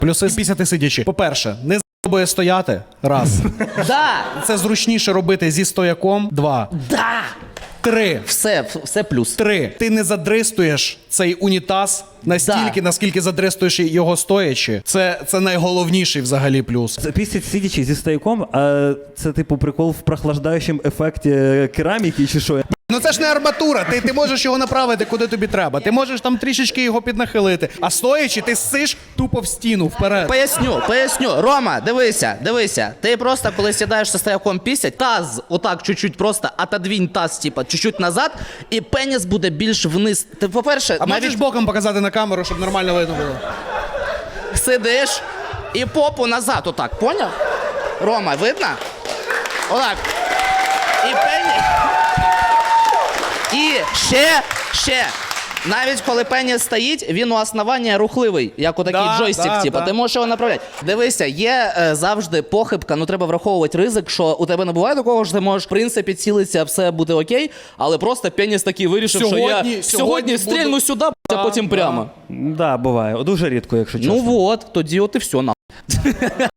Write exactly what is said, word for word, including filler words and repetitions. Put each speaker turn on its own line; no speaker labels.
Плюси пісяти сидячи. По-перше, не з**бує стояти. Раз.
Да!
Це зручніше робити зі стояком. Два.
Да!
Три.
Все, все плюс.
Три. Ти не задристуєш цей унітаз настільки,
Да.
наскільки задристуєш його стоячи. Це, це найголовніший взагалі плюс.
Пісять сидячи зі стояком, а це типу прикол в прохлаждаючому ефекті кераміки чи що?
Ну це ж не арматура, ти, ти можеш його направити куди тобі треба. Ти можеш там трішечки його піднахилити. А стоячи, ти ссиш тупо в стіну вперед.
Поясню, поясню. Рома, дивися, дивися. Ти просто, коли сідаєш зі стояком пісять, таз отак чуть-чуть просто отодвінь таз, типа, чуть-чуть назад, і пеніс буде більш вниз. Ти, по-перше,
А
навіть
можеш боком показати на камеру, щоб нормально видно було?
сидиш і попу назад отак, поняв? Рома, видно? Отак. І пеніс... І ще, ще. Навіть коли пеніс стоїть, він у основання рухливий, як у такий
Да,
джойстик,
да,
типу,
да.
ти можеш його направляти. Дивися, є е, завжди похибка, ну треба враховувати ризик, що у тебе не буває такого, що ти можеш, в принципі, цілитися, все буде окей, але просто пеніс такий вирішив,
Сьогодні-
що я
сьогодні
сьогодні
буду-
стрільну сюди, а
Да,
потім
да.
прямо.
Да, буває. Дуже рідко, якщо чесно.
Ну от, тоді от і все, на.